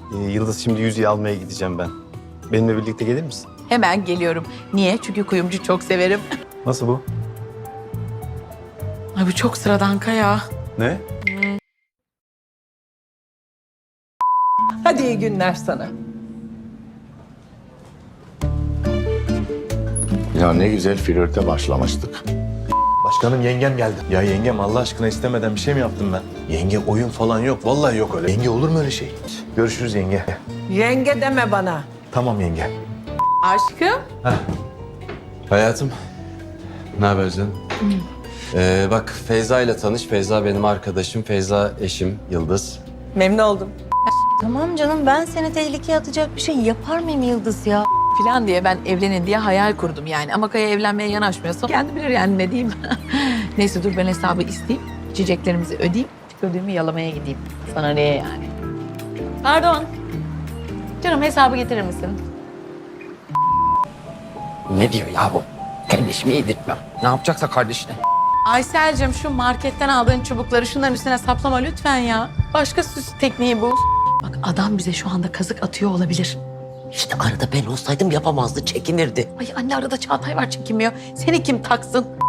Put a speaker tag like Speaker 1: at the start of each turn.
Speaker 1: Yıldız şimdi yüzüğü almaya gideceğim ben. Benimle birlikte gelir misin?
Speaker 2: Hemen geliyorum. Niye? Çünkü kuyumcu çok severim.
Speaker 1: Nasıl bu?
Speaker 2: Ay bu çok sıradan Kaya.
Speaker 1: Ne?
Speaker 3: Hadi iyi günler sana.
Speaker 4: Ya ne güzel flörte başlamıştık.
Speaker 5: Başkanım yengem geldi. Ya yengem Allah aşkına istemeden bir şey mi yaptım ben? Yenge oyun falan yok. Vallahi yok öyle. Yenge olur mu öyle şey? Görüşürüz yenge.
Speaker 3: Yenge deme bana.
Speaker 5: Tamam yenge.
Speaker 2: Aşkım.
Speaker 6: Hayatım, ne haber canım? Bak Feyza ile tanış. Feyza benim arkadaşım, Feyza eşim Yıldız.
Speaker 3: Memnun oldum.
Speaker 7: Tamam canım, ben seni tehlikeye atacak bir şey yapar mıyım Yıldız ya?
Speaker 2: Falan diye ben evlenin diye hayal kurdum yani. Ama Kaya evlenmeye yanaşmıyorsa kendi bilir yani ne diyeyim. Neyse dur ben hesabı isteyeyim. İçeceklerimizi ödeyeyim. Ödüğümü yalamaya gideyim. Sana ne yani? Pardon. Canım hesabı getirir misin?
Speaker 8: Ne diyor ya bu? Kardeşimi yedirtmem. Ne yapacaksa kardeşine.
Speaker 2: Aysel'cim şu marketten aldığın çubukları şunların üstüne saplama lütfen ya. Başka süs tekniği bul. Bak adam bize şu anda kazık atıyor olabilir.
Speaker 8: İşte arada ben olsaydım yapamazdı, çekinirdi.
Speaker 2: Ay anne arada Çağatay var çekinmiyor. Seni kim taksın?